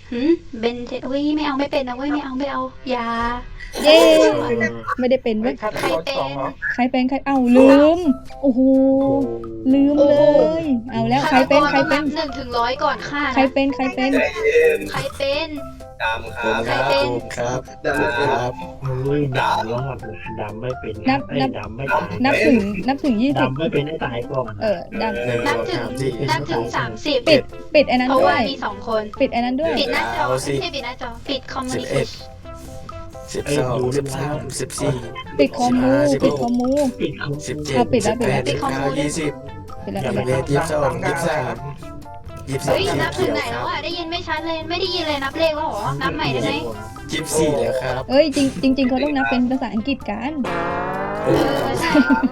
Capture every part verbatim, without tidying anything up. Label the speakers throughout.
Speaker 1: หืมเบนเทอุ้ยไม่เอาไม่เป็นนะเว้ยไม่เอาไม่เอาอย่า
Speaker 2: เย้ไม่ได้เป็นเว้ย
Speaker 1: ใครเป็น
Speaker 2: ใครเป็นใครเอ้าลืมโอ้โหลืมเลย เอาแล้วใครเป็นใครเป็น
Speaker 1: หนึ่งถึงร้อยก่อนค่ะ
Speaker 2: ใครเป็นใครเป็น
Speaker 1: ใครเป็น
Speaker 3: ดำครับ
Speaker 1: ใครเป็น
Speaker 3: ครับดำครับไม่ดำรอดดำไม่เป็น
Speaker 2: นับนับ
Speaker 3: ดำไม่ตาย
Speaker 2: นับถึงนับถึงยี่สิบ
Speaker 3: ดำไม่เป็นให้ตายก่อน
Speaker 2: เออดัง
Speaker 1: นับถึงนับถึงสามสิบ
Speaker 2: ปิดปิดไอ้นั้น
Speaker 1: เพราะ
Speaker 2: ด้ว
Speaker 1: ว่าย มีสองคน
Speaker 2: ปิดไอ้นั้นด้วย
Speaker 1: ปิดหน้าจอไม่ใช่ปิดหน้าจอปิดคอมมูนิเคชั่น
Speaker 4: สิบสองสิบสามสิบสี่
Speaker 2: ปิดคอมมูปิดคอมมู
Speaker 3: ปิดเขา
Speaker 4: สิบเจ็ด
Speaker 2: เอาปิดแล้
Speaker 4: สิ
Speaker 2: ว
Speaker 4: บ
Speaker 2: ปิด
Speaker 4: แป
Speaker 2: แล้ว
Speaker 4: ดสิบเก้ายี่สิบ
Speaker 2: ปิดแล้ว
Speaker 4: ยี่
Speaker 2: ปิด
Speaker 4: สิบ
Speaker 2: แล้ว
Speaker 4: เอ็ดยี่สิบสองยี่สิบสามยี่สิบสาม
Speaker 1: เฮ้ยนับถึงไหนแล้วอ่ะได้ยินไม่ชัดเลยไม่ได้ยินเลยนับเลขแล้วเหรอนับใหม่ได้ไหม
Speaker 4: ยี่สิบสี่แล้วครับ
Speaker 2: เอ้ยจริงจริงๆเขาต้องนับเป็นภาษาอังกฤษกัน
Speaker 1: เออใช่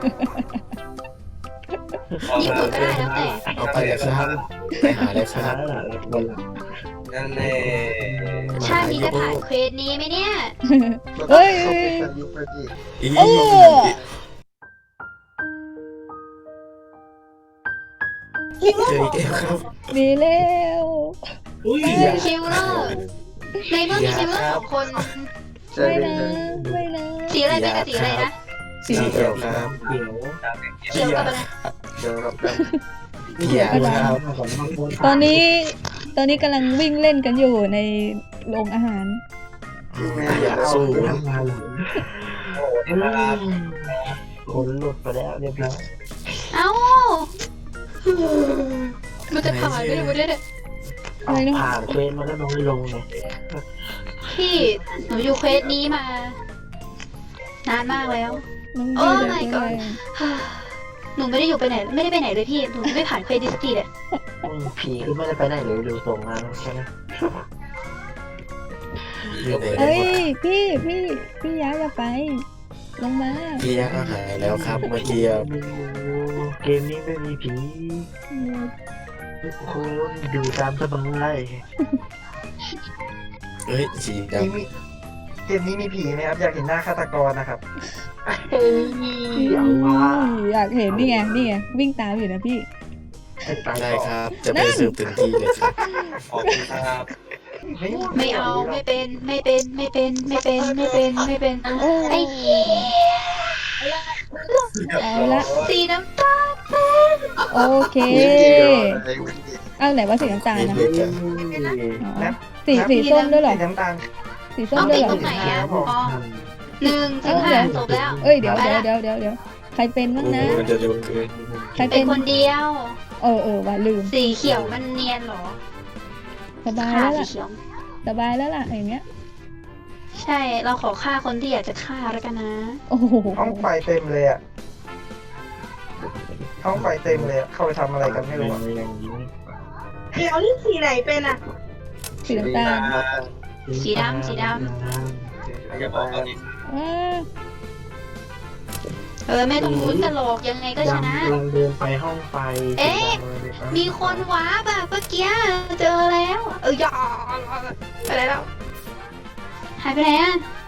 Speaker 1: ญี่ปุ่นก็ได้แล้วแต่
Speaker 4: เอาไปเลยครับไปหาเลยค
Speaker 3: ช้า
Speaker 4: รับ
Speaker 3: ละแล้วคนหลัง
Speaker 5: นั่นแน่
Speaker 1: ชาตินี้จะผ่านเควสนี้ไหมเนี่ย
Speaker 2: เฮ้ย
Speaker 4: อี
Speaker 2: โอ้
Speaker 4: เจออีกแล้วครับ
Speaker 2: ดีแล้ว
Speaker 3: อุ้ย
Speaker 1: คิวเลอร์ในเมื่อมีคิวเลอร์สองคน
Speaker 2: ไม่นะไม่นะ
Speaker 1: สีอะไรเป็นกับสีอะไรนะ
Speaker 4: สีเขียวครับ
Speaker 3: เดี๋ยว
Speaker 1: เขียวกับอะไร
Speaker 4: เขียวกับดำเขียวครับ
Speaker 2: ตอนนี้ตอนนี้กำลังวิ่งเล่นกันอยู่ในโรงอาหาร
Speaker 4: อยากสู้
Speaker 3: ทำงานหลังคนหลุดไปแล้วเรียบร้อย
Speaker 1: เอ้ามันจะผ่านไม่ได้ไม่ได้
Speaker 2: อะไรนะ
Speaker 3: ผ่านเควสมาแล้วน้องลงเลย
Speaker 1: พี่หนูอยู่เควสนี้มา นานมากแล้ว
Speaker 2: น้อง
Speaker 1: โอ้
Speaker 2: ดี
Speaker 1: my
Speaker 2: เลย
Speaker 1: god หนูไม่ได้อยู่ไปไหนไม่ได้ไปไหนเลยพี่หนูไม่ผ่านเควสดิสตีเลย
Speaker 3: ผีคือไม่ได้ไปไหนเลยดูส่งมาใช่ไหม
Speaker 4: อยู่ไหน
Speaker 2: เอ้ยพี่พี่พี่ย้ายอย่าไป ลงมา
Speaker 4: พี่ยักษ์หายแล้วครับเมื่อกี้
Speaker 3: เกมนี้ไม่มีผีทุกคนดูตามสบาย
Speaker 4: เฮ้ยสีด
Speaker 5: เกมนี้มีผีไหมครับ อยากเห็นหน้าฆาตกรนะครับ
Speaker 3: เฮ้ยเอาว่า
Speaker 2: อยากเห็นนี่ไงนี่ไงวิ่งตามอยู่นะพี่
Speaker 4: ำได้ครับ จะไปสืบถึงที่เลยครับ
Speaker 5: ขอบคุณครับ
Speaker 1: ไม่เอาไม่เป็นไม่เป็นไม่เป็นไม่เป็นไม่เป็นไม่เป็น
Speaker 2: โอ้
Speaker 1: ไอ้เหี้ย
Speaker 2: เอาละ
Speaker 1: สีน้ำตาลเป็น
Speaker 2: โอเคเอาไหนว่าสีน้ำตาลนะ
Speaker 4: เล็กๆอะ
Speaker 2: อ๋อสีสีส้มด้วยเหรอ
Speaker 5: สีน้ำตาล
Speaker 2: สีส้ม
Speaker 1: เอา
Speaker 2: ด้วย
Speaker 1: ติด
Speaker 2: เหรอ
Speaker 1: ตรงไหนอ่ะอ๋อหนึ่งถึงห้าจบแล้ว
Speaker 2: เอ้ยเดี๋ยวเดี๋ยวเดี๋ยวเดี๋ยวเดี๋ยวใครเป็นบ้างนะ
Speaker 4: มันจะเร็วเกิน
Speaker 2: ใคร
Speaker 1: เป็
Speaker 2: เป็น น
Speaker 1: คนเดียว
Speaker 2: เออเออว่าลืม
Speaker 1: สีเขียวมันเนียนเหรอ
Speaker 2: สบาย
Speaker 1: ฆ่า
Speaker 2: แล้ว
Speaker 1: สี
Speaker 2: ล่ะ
Speaker 1: เขียว
Speaker 2: สบายแล้วล่ะอย่างเงี้ย
Speaker 1: ใช่เราขอฆ่าคนที่อยากจะฆ่าแล้วกันนะ
Speaker 2: โอ้โห
Speaker 5: ห้องไฟเต็มเลยอ่ะ ห้องไฟเต็มเลยอะเข้าไปทำอะไรกันไม่รู้อะ
Speaker 3: อย่างนี้
Speaker 6: เดี๋ยวนี่สีไหนเป็นอ่ะ
Speaker 2: สีน้ำตาล
Speaker 1: สีดำสีด
Speaker 5: อย่าบอกกันดิ
Speaker 2: อ่า
Speaker 1: เออไม่ต้องลุ้นกันหรอกยังไงก็ชนะ
Speaker 3: กำลังเดินไปห้องไฟ
Speaker 1: เอ๊ะ มีคนว้าบอะเมื่อกี้เจอแล้ว เอออย่าไปไหนแล้วหายไปไหนอะ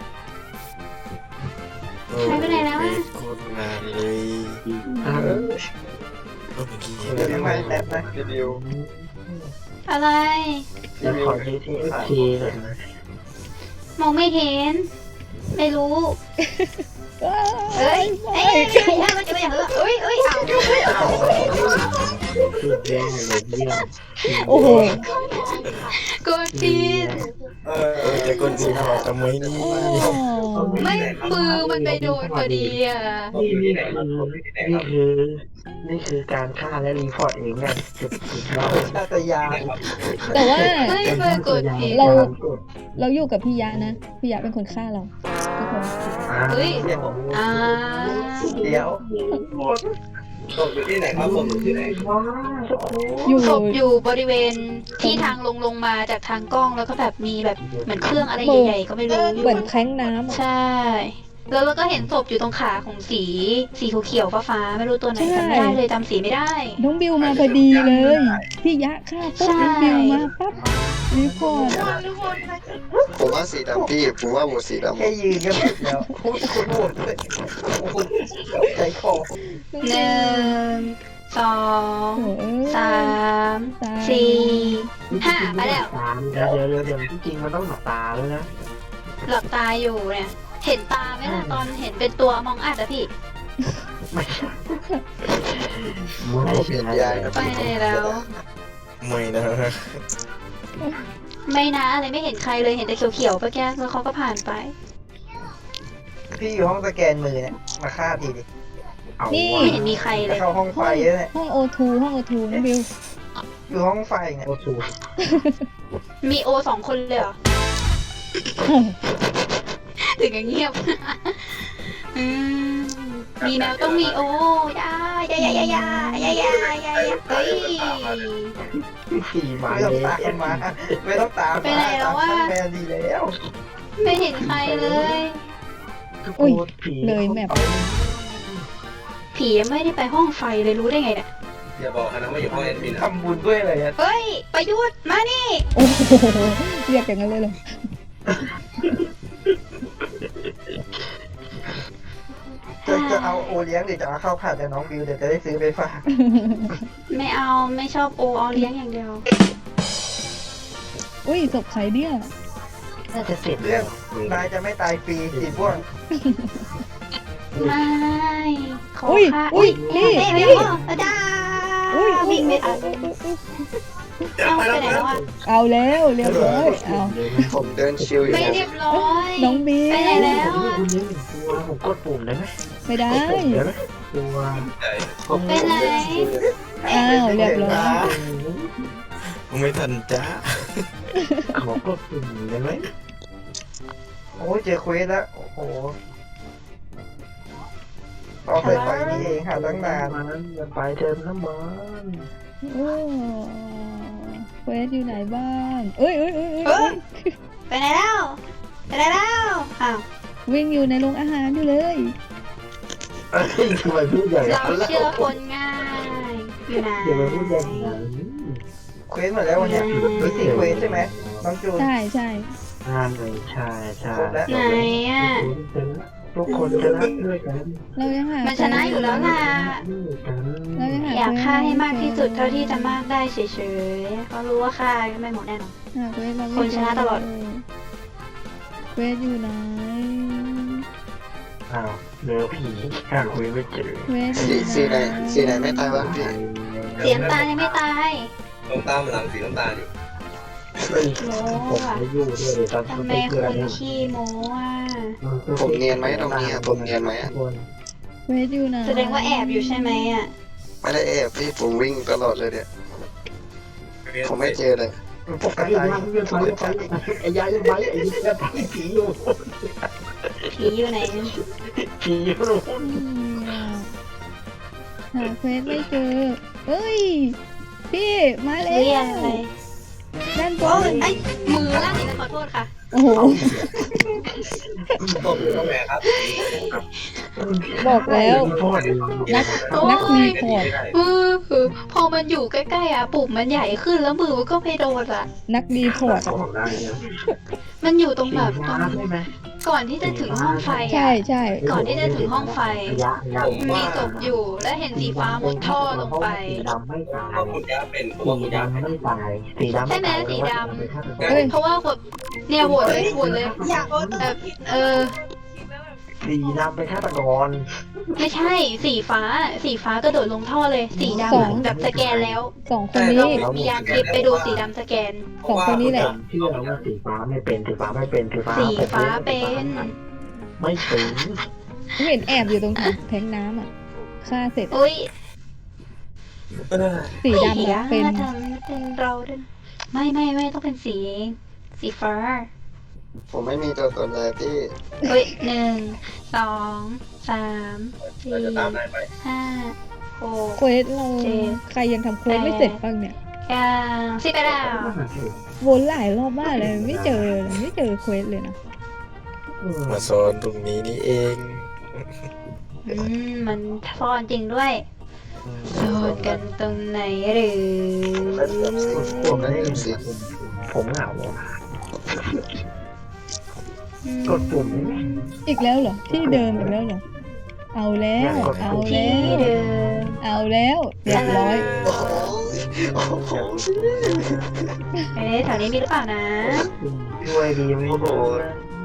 Speaker 4: โอ้
Speaker 1: หายไปไหนแล้วอะ
Speaker 4: โคตรนานเลย
Speaker 3: เออ
Speaker 4: เมื่อกี้
Speaker 5: เดี๋ยวไม่แป๊บนะรีวิว
Speaker 1: อะไร
Speaker 3: เดี๋ยวขอที่ที่โอเคหน่อยนะ
Speaker 1: มองไม่เห็น ไม่รู้
Speaker 2: ว้า
Speaker 1: เอ้ย
Speaker 2: ไม่
Speaker 1: เอ้ยเอ้ยเอ้ยมันจะไปอย่างเออเอ้ยเอ้ยเอาเอา
Speaker 3: สุดยอดเลยเยี่ยม
Speaker 2: โอ้โห
Speaker 1: กดผิด
Speaker 5: เอ
Speaker 4: เออแต่คนสีขาวทำไมนี่
Speaker 2: โอ้
Speaker 1: ไม่มือมันไปโดนพอดีอ่ะ
Speaker 3: นี่นี่คือนี่คือนี่คือการฆ่าและรีพอร์ตเองไงสุดสุดยอด
Speaker 5: น่าจะยา
Speaker 2: แต่ว่า
Speaker 1: ไม่เปิดกดผิด
Speaker 2: เรา เราอยู่กับพี่ยะนะ พี่ยะเป็นคนฆ่าเราทุกคน
Speaker 1: เฮ้ย
Speaker 5: เดี๋ยว
Speaker 1: อ่า
Speaker 5: เดี๋ยวผมอยู่ที่ไหนครับผมอยู่ที่ไหน
Speaker 2: อยู่
Speaker 1: ศพอยู่บริเวณที่ทางลงลงมาจากทางกล้องแล้วก็แบบมีแบบเหมือนเครื่องอะไรใหญ่ๆก็ไม่รู้อยู่
Speaker 2: เหมือนแท้งน้ำอะ
Speaker 1: ใช่ แล้วเราก็เห็นศพอยู่ตรงขาของสีสีเขียวๆฟ้าๆไม่รู้ตัวไหนจำไม่ได้เลยจำสีไม่ได้
Speaker 2: น้องบิวมาพอดีเลย พี่ยะฆ่าปุ๊บ
Speaker 1: ใช่
Speaker 2: น้องบิวมาปั๊บรีพอร์ต
Speaker 4: ผมว่าสีดำพี่ผมว่าหมดสีดำ
Speaker 5: แค่ยืนก็ผิดแล้วพูดคุณโหดเลยโอ้โหใจคอ
Speaker 1: หนึ่งสอง
Speaker 2: โอ้เอ้ย
Speaker 1: สาม
Speaker 2: สาม
Speaker 1: สี่ห้าไปแล้ว
Speaker 3: ตามเดี๋ยวเดี๋ยวเดี๋ยวที่จริงมันต้องหลับตาด้วยนะ
Speaker 1: หลับตาอยู่เนี่ย เห็นตาไหมล่ะตอนเห็นเป็นตัวมองอัดอะพี่
Speaker 3: ไม่ใช่ไม่
Speaker 4: ผมเปลี่ยนยายนะ
Speaker 1: ไป
Speaker 4: พี่
Speaker 1: แล้ว
Speaker 7: ไม่นะ
Speaker 1: ไม่นะอะไรไม่เห็นใครเลยเห็นแต่เขียวๆเมื่อกี้แล้วเขาก็ผ่านไป
Speaker 5: พี่อยู่ห้องสแกนมือเนี่ยมาฆ่าทีดิ
Speaker 3: เอา
Speaker 2: นี่
Speaker 3: ว่ะ
Speaker 1: ไม่เห็นมีใครเล
Speaker 5: จะ
Speaker 1: ย
Speaker 5: เข้าห้องไฟแล้วเนี่ย
Speaker 2: ห้องโอทูห้องโอทูน้องบิว
Speaker 5: อยู่ห้องไฟเนี่ย
Speaker 3: โอ้โห
Speaker 1: มีโอสองคนเลยเหรอ ถึงกับเงียบ อืมมีแนวต้องมีโอยายายายายายายายายเฮ้ย
Speaker 3: สี่หมา
Speaker 5: ไม่
Speaker 3: เล
Speaker 5: ต้อง
Speaker 3: ย
Speaker 5: ตามมาไม่ต้องตาม
Speaker 1: ไปไหนแล้ววะ
Speaker 5: ตามแมนดีแล้ว
Speaker 1: ไม่เห็นใครเลย
Speaker 3: ทุกค
Speaker 2: อุ้ย
Speaker 3: นผี
Speaker 2: เลยแมป
Speaker 1: ผียังไม่ได้ไปห้องไฟเลยรู้ได้ไงเนี่ย
Speaker 5: อย่าบอกนะว่าอยู่ห้องแอดมินทำบุญด้วยเลยอะ
Speaker 1: เฮ้ยประยุทธ์มานี่
Speaker 2: โอ้โหเรียกอย่างนั้นเลยเหรอ
Speaker 5: จะจะเอาโอเลี้ยงหรือจะเอาข้าวผัดแต่น้องบิวเดี๋ยวจะได้ซื้อไปฝาก
Speaker 1: ไม่เอาไม่ชอบโอเอาเลี้ยงอย่างเดียว
Speaker 2: อุ้ยศพใครเนี่ย
Speaker 3: น่าจะเสร็จ
Speaker 5: เรื่องนายจะไม่ตายฟรีสีบ้วง
Speaker 1: ไม่ขอ
Speaker 2: อุ้ย
Speaker 1: ค่ะ
Speaker 2: อุ้ยนี่
Speaker 1: เอ๊ะ
Speaker 2: นี่
Speaker 1: เดี๋ยวอาจา
Speaker 2: อุ้ยอุ้ย
Speaker 1: วิ่งไม่ทันเอาไปไหนแล้วอ่ะ
Speaker 2: เอาแล้วเรียบร้อยเอา
Speaker 4: ผมเดินชิวอยู่
Speaker 1: ไม่
Speaker 4: นะ
Speaker 1: เรียบร้อย
Speaker 2: น้องบิว
Speaker 1: ไปไหนแล้ว
Speaker 3: คุณยิงตัวผมกดปุ่มได้ไหม
Speaker 2: ไม่ได้
Speaker 3: กดปุ่มได้ไหมตัวผม
Speaker 1: ไปไหน
Speaker 2: อ้าวเรียบร้อย
Speaker 7: ไม่ทันจ้า
Speaker 3: ขอกดปุ่มได้ไหม
Speaker 5: โอ้ยเจอเควสแล้วโอ้โหรอใส่ไฟนี่เองหาตั้งนาน
Speaker 3: มันอย่าไปเติมน้ำมัน
Speaker 2: โอ้เควสอยู่ไหนบ้างเอ้ยเอ้ยเอ้ย
Speaker 1: เอ
Speaker 2: เอ้
Speaker 1: อย ไปไหนแล้วไปไหนแล้วอ้าว
Speaker 2: วิ่งอยู่ในโรงอาหารอยู่เลย
Speaker 3: เอ้ยทำไมพูดอย่าง
Speaker 1: เรา
Speaker 3: นั้นล่ะ
Speaker 1: เชื่อคนง่ายอยู่ไหน
Speaker 3: อย่ามาพูดอย่างนั้น
Speaker 5: เควสหมดแล้ววันเนี้ยมีสี่เควสใช่ไหมน้องจูน
Speaker 2: ใช่ใช่
Speaker 3: งานเลยใช่ใช่
Speaker 5: ครบแล้ว
Speaker 1: ไหนอ่ะ
Speaker 3: ทุกคนจะรักด้วยกัน
Speaker 2: เรายังหา
Speaker 1: มันชนะอยู่แล้วล่ะ
Speaker 3: ด้วยกัน
Speaker 2: เรายังหา
Speaker 1: อยากฆ่าให้มาก
Speaker 2: ควส
Speaker 1: ที่สุดเท่าที่จะมากได้เฉยๆเขารู้ว่าฆ่าไม่หมดแน่นอน
Speaker 2: หาเควสเราไม่
Speaker 1: คนชนะตลอด
Speaker 2: เควสอยู่ไหน
Speaker 3: อ้าวเหลือผีหาคุยไม่เจอ
Speaker 2: เควสอ
Speaker 4: สี
Speaker 2: ยู่
Speaker 4: สีไหนสีไหนไม่ตายวะพี่
Speaker 1: เสียงตายังไม่ตาย
Speaker 5: น้ำตาลมันหลังสีน้ำตาลอยู่
Speaker 1: โม้
Speaker 3: ผม
Speaker 1: อะ
Speaker 3: ไม่อยู่ด้วยตอน
Speaker 1: ทำไม
Speaker 3: เกิด
Speaker 1: คุณขี้โม้อะ
Speaker 4: ผมเนียนไหมตรงนี้อะผมเนียนไหมอะ
Speaker 2: เควสอยู่ไหน
Speaker 1: แสดงว่าแอบอยู่ใช่ไหมอ่ะ
Speaker 4: ไม่ได้แอบพี่ผมวิ่งตลอดเลยเนี่ยผมไม่เจอเลย
Speaker 5: ปก
Speaker 3: ไอ้
Speaker 5: ติ
Speaker 3: ยายยังไปไอ้ยายยังไปไอ้ยายไปผีอยู่
Speaker 1: ผีอยู่ไหน
Speaker 3: ผีอยู่
Speaker 2: อืมหาเควสไม่เจอเอ้ยพี่มาแล้
Speaker 1: เรียก
Speaker 2: ว
Speaker 1: อะไร
Speaker 2: ด้านบ
Speaker 1: โอ้ย
Speaker 2: น
Speaker 1: ไอ้มือลั่นอีกแล้วขอโทษค่ะ
Speaker 2: โอ้โห
Speaker 5: ผมอยู่ตรงไหนครับ
Speaker 2: บอกแล้ว
Speaker 3: พ่อดี
Speaker 2: นัก
Speaker 1: โอ้ย
Speaker 2: นักรีพอร์ต
Speaker 1: เออคือพอมันอยู่ใกล้ๆอ่ะปุ่มมันใหญ่ขึ้นแล้วมือมันก็ไม่โดนอ่ะ
Speaker 2: นักรีพอร์ต
Speaker 3: สองได้นะ
Speaker 1: มันอยู่ตรงแบบตรง
Speaker 3: น้ำใช่ไหม
Speaker 1: ก่อนที่จะถึงห้องไฟ
Speaker 2: ใช่
Speaker 1: อ่ะ
Speaker 2: ใช่
Speaker 1: ก่อนที่จะถึงห้องไฟ
Speaker 3: ยะยะ
Speaker 1: มีศพอยู่แล้วเห็นสีฟ้ามุดท่อลงไป
Speaker 3: สีดำไม่ตาย
Speaker 5: ว่าคุณยาเป็นผม
Speaker 3: สี
Speaker 5: ว่าคุณยา
Speaker 3: ดำไม่ตายสีดำ
Speaker 1: ใช่ไหมสีด
Speaker 2: เอ้ย
Speaker 1: เพราะว่าคนเนี่ยโหวตเลยโหวตเลย
Speaker 6: อยากโอน
Speaker 1: แบบเออ
Speaker 3: สีดำเป็นฆาตกร
Speaker 1: ไม่ใช่สีฟ้า สีฟ้ากระโดดลงท่อเลย สีดำอะแบบสแกนแล้ว
Speaker 2: สองคนนี้
Speaker 1: เรามียานทิพย์ไปดูสีดำสแกน
Speaker 2: สองคนนี้แหละ
Speaker 3: เชื่อว่าสีฟ้าไม่เป็นสีฟ้าไม่เป็นสีฟ้า
Speaker 1: สีฟ้าเป็น
Speaker 3: ไม่เป็น
Speaker 2: เห็นแอบอยู่ตรงถังแทงน้ำอ่ะฆ่าเสร็จ
Speaker 1: อุ้ย
Speaker 2: สีดำอะเป็น
Speaker 1: ทำเป็นเราด้วยไม่ไม่ไม่ต้องเป็นสีสีฟ้า
Speaker 4: ผมไม่มีตัวตนเลยพี่
Speaker 1: เฮ้ยหนึ่งสองสามสี่
Speaker 5: เราจะตามนายไป
Speaker 1: ห้าหก
Speaker 2: เควสเรา
Speaker 1: เจ็ด
Speaker 2: ใครยังทำเควสไม่เสร็จบ้างเนี่ย
Speaker 1: เก้าสิบไปแล้ว
Speaker 2: วนหลายรอบมากเลยไม่เจอเลยไม่เจอเควสเลยนะ
Speaker 7: มาโซนตรงนี้นี่เอง
Speaker 1: อืมมันซ่อนจริงด้วยซ่อนกันตรงไหนหรือ
Speaker 4: ผมไม่ได้สี
Speaker 3: ผมเหงา
Speaker 1: อืม
Speaker 3: กดปุ่มนี้
Speaker 2: อีกแล้วเหรอที่เดิมอีกแล้วเหรอเอาแล้วเอา
Speaker 1: ที่
Speaker 2: แล้ว
Speaker 1: เดิม
Speaker 2: เเอาแล้วเรียบร้อย
Speaker 4: โอ้โหโอ้โห
Speaker 1: เอ๊ะแถวนี้มีหรือเปล่านะ
Speaker 3: ช่วยดีไม่โดน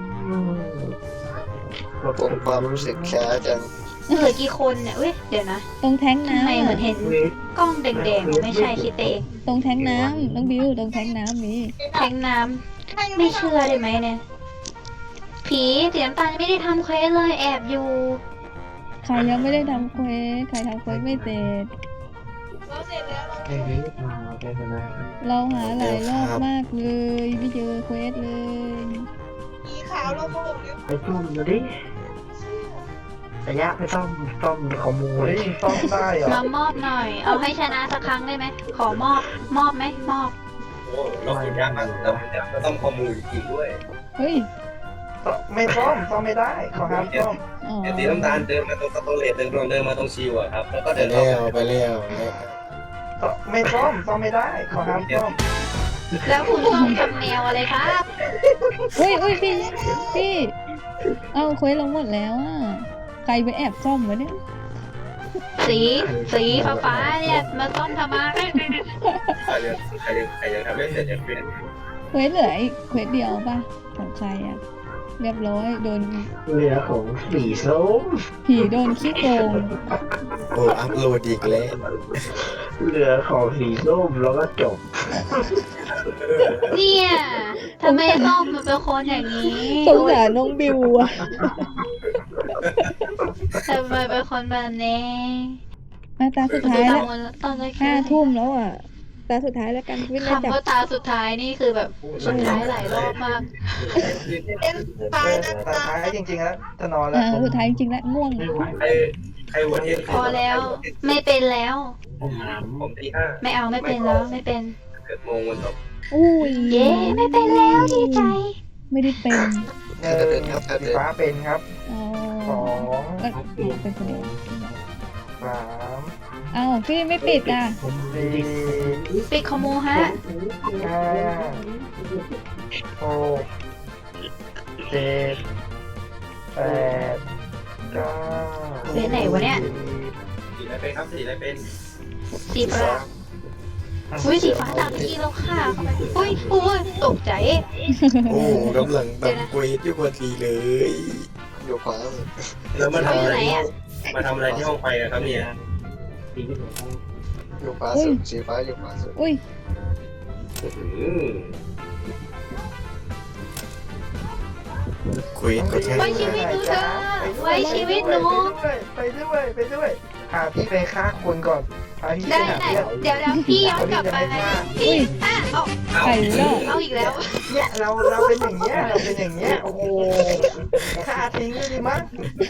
Speaker 4: ผมความรู้สึกช้าจัง
Speaker 1: เหลือกี่คนเนี่ยเว้ยเดี๋ยวนะ
Speaker 2: ตรงแท้ง
Speaker 1: ทำไม
Speaker 2: น้ำ
Speaker 1: เหมือ
Speaker 2: อะ
Speaker 1: นเห็นกล้องแดงๆไม่ใช่คิดเอง
Speaker 2: ตรงแท้งน้ำน้องบิวตรงแท้งน้ำมี
Speaker 1: แทงน้ำไม่เชื่อได้ไหมเนี่ย ผีสีน้ำตาลไม่ได้ทำเควสเลยแอบอยู่
Speaker 2: ใครยังไม่ได้ทำเควสใครทำเควสไม่เสร็จ
Speaker 6: เราเสร็จแล้วเรา
Speaker 3: ไอ้นี้มาแกชนะ
Speaker 2: เราหาหลายรอบมากเลยไม่เจอเควสเลย
Speaker 6: สีขาวเราโผล่เร็ว
Speaker 3: ไปจุ่มดูดิระยะไปซ่อมซ่อมขโมย
Speaker 5: ซ่อมได้เหรอ
Speaker 1: มามอบหน่อย เอาให้ชนะสักครั้งได้ไหม ขอมอบ มอบไหมมอบ
Speaker 5: โอ้เราขุดยากมากแล้วเราต้องข้อมูลอีกด้วย
Speaker 2: เฮ้ย
Speaker 5: ไม่ซ่อมซ่อมไม่ได้ขอห้ามซ่อม
Speaker 2: อ๋อ
Speaker 5: เดี๋ยวสีน้ำตาลเดินมาตรงสโตเลตเดินตรงเดินมาตรงชิวอะครับแล้วก็
Speaker 7: ไป
Speaker 5: เดิน
Speaker 7: แล้
Speaker 5: เข้าว
Speaker 7: ไปแล้วแล้ว
Speaker 5: ไม่ซ่อมซ่อมไม่ได้ขอห้ามซ่อม
Speaker 1: แล้วคุณต้องทำแนวอะไรครับ
Speaker 2: เฮ้ยเฮ้ยพี่พี่เอาเควสลงหมดแล้วอ่ะใครไปแอบซ่อมวะเนี่ย
Speaker 1: สีสีฟ้าฟ้าๆเนี่ยมาต้อมทำไม
Speaker 5: ใครยังใครยังใครยังทำไม่เสร็จยังเป็น
Speaker 2: เควสเหลืออีกเควสเดียวป่ะของใครอ่ะเรียบร้อยโดน
Speaker 3: เหลือของสีส้ม
Speaker 2: ผีโดนขี้โกง
Speaker 7: โอ้อัพโหลดอีกแล้ว
Speaker 3: เหลือของสีส้มแล้วก็จบ
Speaker 1: เนี่ยทำไมต้อมมันเป็นคนอย่างนี้
Speaker 2: สงสารน้องบิวอ่ะ
Speaker 1: ทำไมเป็นคนแบบนี้
Speaker 2: มาตาสุดท้าย
Speaker 1: ต
Speaker 2: แล้ว
Speaker 1: อนตอนแรก
Speaker 2: ห้าทุ่มแล้วอ่ะตาสุดท้ายแล้วกันวินน่าจับ
Speaker 1: คำว่าตาสุดท้ายนี่คือแบบสุดท้ายหลายรอบมาก
Speaker 6: เป็นตายนะ
Speaker 5: ตา
Speaker 6: ตา
Speaker 5: ท้ายจริงๆแล้วจะนอนแล้ว
Speaker 2: อ่าสุดท้ายจริงๆแล้วง่วง
Speaker 5: ใครใครหัวเทียน
Speaker 1: พอแล้ว ไม่เป็นแล้ว
Speaker 5: ผมตีห้า
Speaker 1: ไม่เอาไม่เป็นแล้วไม่เป็น
Speaker 5: เกิดโมงวันตก
Speaker 2: อุ้ย
Speaker 1: เย้ไม่เป็นแล้วดีใจ
Speaker 2: ไม่ได้เป็น
Speaker 5: หนึ่งสีฟ้าเป็นครับ
Speaker 2: อ๋อ
Speaker 5: สอง
Speaker 2: เอ้ยเป็นคนเดียว
Speaker 5: สาม
Speaker 2: เอ้าพี่ไม่ปิดอ่ะ
Speaker 5: สี่
Speaker 1: ปิดคอมมูฮะ
Speaker 5: ห้าหกเจ็ดแปดเก้า
Speaker 1: เรียนไหนวะเนี่ย
Speaker 5: สีอะไรเป็นครับสีอะไรเป็น
Speaker 1: สีฟ้าอุ้ยสีฟ้าตามที่เราฆ่าเข้าไปอุ้ยอุ้ยตกใจ
Speaker 7: โอ้กำลังทำเควสอยู่พอดีเลย
Speaker 4: อยู่ขวา
Speaker 5: แล้วมาทำอะไร
Speaker 1: อยู่ไหนอะ
Speaker 5: มาทำอะไรที่ห้องไฟอะครับเนี่ย
Speaker 4: อยู่ขวาสุดสีฟ้าอยู่ขวาสุด
Speaker 2: อุ้ย
Speaker 5: อืม
Speaker 7: เควสก็ใช่
Speaker 1: ไว้ชีวิตหนูเถอะไว้ชีวิตหนู
Speaker 5: ไปด้วยไปด้วยพาพี่ไปฆ่าคนก่อนพาพี่ไป
Speaker 1: ได้
Speaker 5: หา
Speaker 1: ได้
Speaker 5: เรื่อง
Speaker 1: เดี๋ยวเดี๋ยวพี่ย้อนกลับไปพี่อ่ะเอา
Speaker 2: ไก่รอด
Speaker 1: เอาอีกแล้ว
Speaker 5: เนี่ยเราเราเป็นอย่างเงี้ยเราเป็นอย่างเงี้ยโอ้โหฆ่าทิ้งเลยดีมั้ง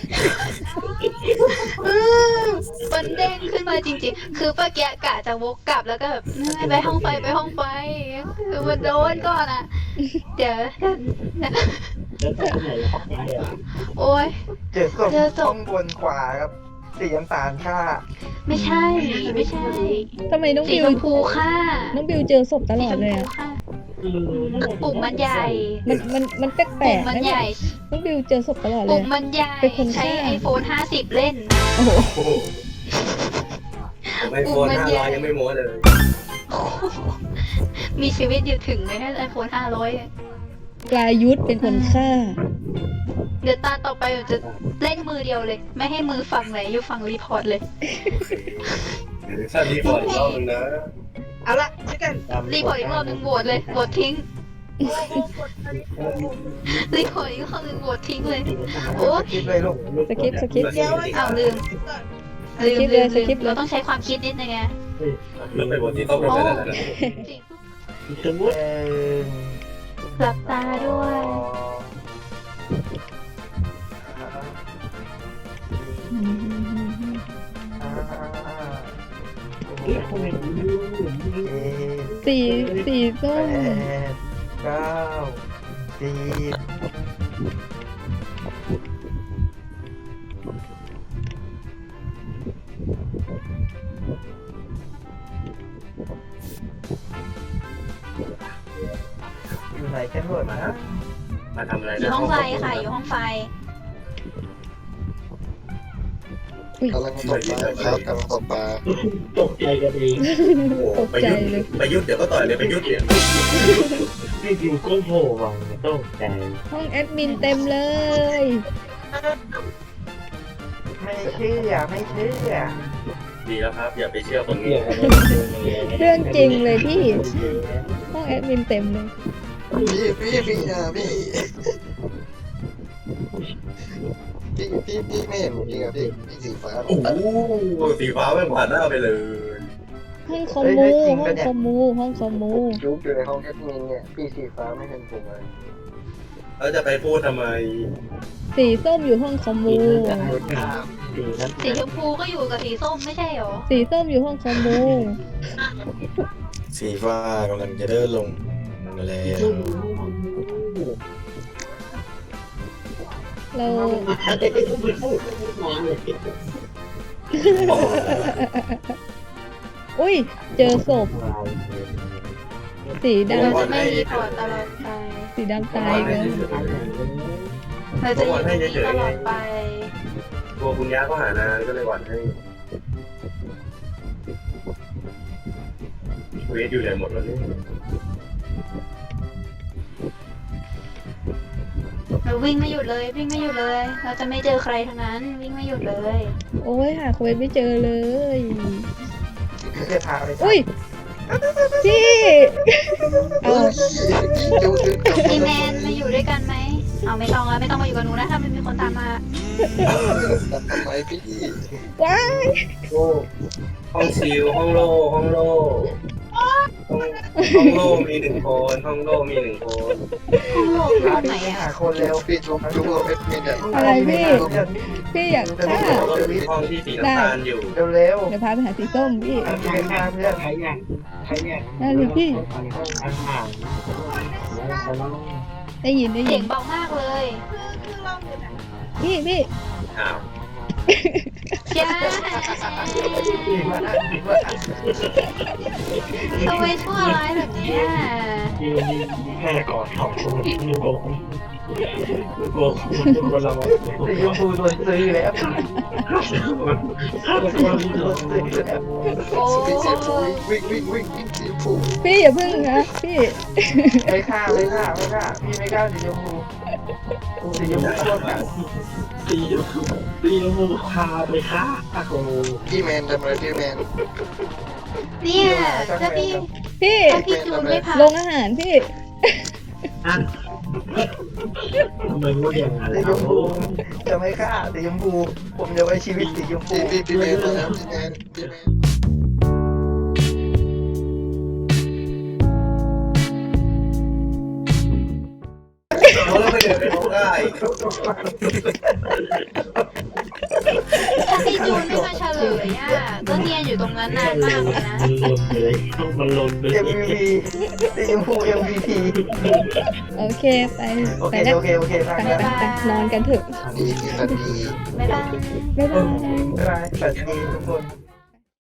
Speaker 1: อืมมันเด้งขึ้นมาจริงๆ คือป้าแกะกะจะวกกลับแล้วก็แบบไปห้องไฟไปห้องไฟคือมันโดนก่อนอ่ะ เดี๋ยวโอ้ย
Speaker 5: เจอศพ
Speaker 1: เจอศพ
Speaker 5: ข้างบนขวาครับสีน้ำตาลฆ่า
Speaker 1: ไม่ใช่ไม่ใช่
Speaker 2: ทำไมน้อง
Speaker 1: สี
Speaker 2: บิว
Speaker 1: ชมพูค่ะ
Speaker 2: น้องบิวเจอศพตล
Speaker 1: สี
Speaker 2: อ
Speaker 1: ช
Speaker 2: ด
Speaker 1: ม
Speaker 2: เลย
Speaker 1: พู
Speaker 2: อ่ะ
Speaker 1: ค่ะปุ่มมันใหญ่
Speaker 2: มันมันมันแปล
Speaker 1: ปุ่
Speaker 2: ก
Speaker 1: ม
Speaker 2: ๆ
Speaker 1: มัน
Speaker 2: นะ
Speaker 1: ให
Speaker 2: เนี่ย
Speaker 1: ญ่
Speaker 2: น้องบิวเจอศพตลอดเล
Speaker 1: ปุ่
Speaker 2: ย
Speaker 1: มมันใหญ่
Speaker 2: เป็นคน
Speaker 1: ใช้
Speaker 2: ฆ่า
Speaker 1: ไอโฟนห้าสิบเล่น
Speaker 2: โอ้โห
Speaker 5: โอ้โหผมไอโฟนห้าร้อยยังไม่โม้เลย
Speaker 1: มีชีวิตอยู่ถึงไหมไอโฟนห้าร้อย
Speaker 2: ปลายุทธเป็นคนฆ่า
Speaker 1: เดี๋ยวตาต่อไปผมจะเล่นมือเดียวเลย ไม่ให้มือฝั่งไหนอยู่ฝั่งรีพอร์ตเลย
Speaker 5: ถ้ารีพอร์ตอีกรอบนึงนะ
Speaker 6: เอาละช่วยกัน
Speaker 1: รีพอร์ตอีกรอบหนึ่งโหวตเลยโหวตทิ้ง รีพอร์ตอีกรอบหนึ่งโหวตทิ้งเลย โอ้
Speaker 5: คิดเลยลูก
Speaker 2: สกิปสกิป
Speaker 6: เดี๋ยว
Speaker 1: เอาลืม
Speaker 2: ส
Speaker 1: ลืม
Speaker 2: คริปต์เล
Speaker 1: ลื
Speaker 2: ย
Speaker 1: ม
Speaker 2: สคริปต์เลย
Speaker 1: เราต้องใช้ความคิดนิดนึงไง
Speaker 5: แล้วไปบทที่ต้องไปแล้วนะ
Speaker 1: จริง
Speaker 3: สมมติ
Speaker 5: เอ่อ
Speaker 1: หลับตาด้วย
Speaker 3: เก็บคนอื่น
Speaker 2: สีสีส้
Speaker 5: แป
Speaker 2: ม
Speaker 5: ดเก้าสิบอยู่ไหนกันหมดนะมาทำอะไร
Speaker 1: อยู่ห้องไฟค่ะ อยู่ห้องไฟ
Speaker 4: กำลังตกปลาครับกำลังตกปลา
Speaker 3: ตกใจกันเอง
Speaker 2: ตกใจเลย
Speaker 5: ไปยุดเดี๋ยวก็ต่อยเลยไปยุดเนี่ย
Speaker 3: พี่อยู่ก็โผล่มาตกใจ
Speaker 2: ห้องแอดมินเต็มเลย
Speaker 7: ไม่เชื่อไม่เชื่อ
Speaker 5: ดีแล้วครับอย่าไปเชื่อคน
Speaker 3: เกี่
Speaker 5: โง่
Speaker 3: ยวกัน
Speaker 2: เรื่องจริงเลยพี่ ห้องแอดมินเต็มเลย
Speaker 4: พี่พี่พี่อ่ะพี่พี่พี่พี่ไม่เห็นผมจริงอ่ะพี่พี่สีฟ้า
Speaker 5: โอ้โหสีฟ้าแม่งผ่านหน้าไปเลย
Speaker 2: ห้องคอมมูห้องคอมมูห้องคอมมู
Speaker 4: จุ๊บอยู่ในห้องแอดมินเนี่ยพี่สีฟ้าไม่เห็นผมเลย
Speaker 5: แล้วจะไปพูดทำไม
Speaker 2: สีส้มอยู่ห้องคอมมู
Speaker 3: สีนั้น
Speaker 1: สีชมพูก็อยู่กับสีส้มไม่ใช่หรอ
Speaker 2: สีส้มอยู่ห้องคอมมู
Speaker 7: สีฟ้ากำลังจะเดินลงแล้ว
Speaker 2: เราอุ้ยเจอศพสี
Speaker 1: เรา
Speaker 2: ดำ
Speaker 1: จะไม่รีพอร์ตตลอดไป
Speaker 2: สีดำตายเลย
Speaker 1: เราจะอยู่ที่นี่ตลอดไป
Speaker 5: ตัวคุณย่าก็หานานก็เลยหวั่นให้เวทอยู่ไหนหมดแล้วเนี่ย
Speaker 1: เราวิ่งไม่หยุดเลยวิ่งไม่หยุดเลย เราจะไม่เจอใครทั้งนั้นวิ่งไม่หยุดเลย
Speaker 2: โอ้ยหาเควสไม่เจอเลย
Speaker 7: จะพาไป
Speaker 2: อุ้ยพี่เอา
Speaker 4: จุ๊บจุ๊บจุ๊บ
Speaker 1: พี่แมนมาอยู่ด้วยกันไหมเอาไม่ต้องแล้วไม่ต้องมาอยู่กับหนูนะถ้าไม่มีคนตามมา
Speaker 4: ทำไมพี่
Speaker 2: ว้าย
Speaker 5: โอ้ห้องซิลห้องโล่ห้องโล่ห้องห้องโล่มีหนึ่งคนห้องโล่มีหนึ่งคน
Speaker 1: ห้องโลกห้องไหนอะ
Speaker 7: หาคนเร็ว
Speaker 4: พี่จุ๊บจุ๊บกับแอดมินเนี่ย
Speaker 2: อะไรพี่พี่อยากฆ่า
Speaker 5: ก็มีห้องที่สีน้ำตาลอยู่
Speaker 7: เร็วเร็ว
Speaker 2: เดี๋ยวพาไปหาสีส้มพี่
Speaker 7: ใครมาเพื่อน
Speaker 3: ใครอยากใครอยาก
Speaker 2: ได้เลยพี่
Speaker 3: อาหาร
Speaker 2: ได้ยินได้
Speaker 1: เสี
Speaker 2: ยิ
Speaker 1: ย
Speaker 2: น
Speaker 1: งเบามากเลย
Speaker 6: คือเราอยู่ไหน
Speaker 2: พี่พี่
Speaker 5: อ้าว
Speaker 1: จ้าทำไมชั่วร้ายแบบเนี้ย
Speaker 3: ที่แค่กอดสองคนลูกโกงลูกโกงคนละ
Speaker 7: สีชมพูโดนซื้อแล้ว
Speaker 3: คนละ
Speaker 7: โดนซื้อแล้ว
Speaker 1: โอ้
Speaker 4: พี่สีฟูวิ่งวิ่งวิ่งวิ่งสีฟู
Speaker 2: พี่อย่าพึ่งนะพี่
Speaker 7: ไม่ฆ่าไม่ฆ่าไม่ฆ่าพี่ไม่กล้าสีชมพูสีชมพูโคตรกัด
Speaker 3: ตีตีมูพาไปฆ่าตะโก
Speaker 4: พี่แมนทำอะไรพี่แมน
Speaker 1: เนี่ยถ้าพี่
Speaker 2: พี่
Speaker 1: ถ้าพี่จูนไม่ผ่าน
Speaker 2: ลงอาหารพี่
Speaker 3: อ่ะทำไมพูดอย่างนั้น
Speaker 7: สีชมพูจะไม่ฆ่าสีชมพูผมจะไว้ชีวิตสีชมพู
Speaker 4: พี่พี่พี่แมนนะครับพี่แมนพี่แมน
Speaker 5: เขาแล้วไม่เดินไปห้องได้
Speaker 1: ถ้าพี่จูนไม่มาเฉลยอ่ะก็เนียนอยู่ตรงนั้นนานมากเลยนะ
Speaker 3: มันลนเลยมันลนเลย
Speaker 7: เอ็มวีพีสีชมพูเอ็มวีพี
Speaker 2: โอเคไป
Speaker 7: โอ
Speaker 2: ไป
Speaker 7: เค
Speaker 2: แล้ว
Speaker 7: โอเคโอเคฟัง
Speaker 2: ไป
Speaker 7: แล้ว
Speaker 2: ไปไปนอนกันเถอะ
Speaker 4: ดีคือทันที
Speaker 1: บ๊ายบาย
Speaker 2: บ๊ายบาย
Speaker 7: บ๊ายบายสวัสดีทุกคน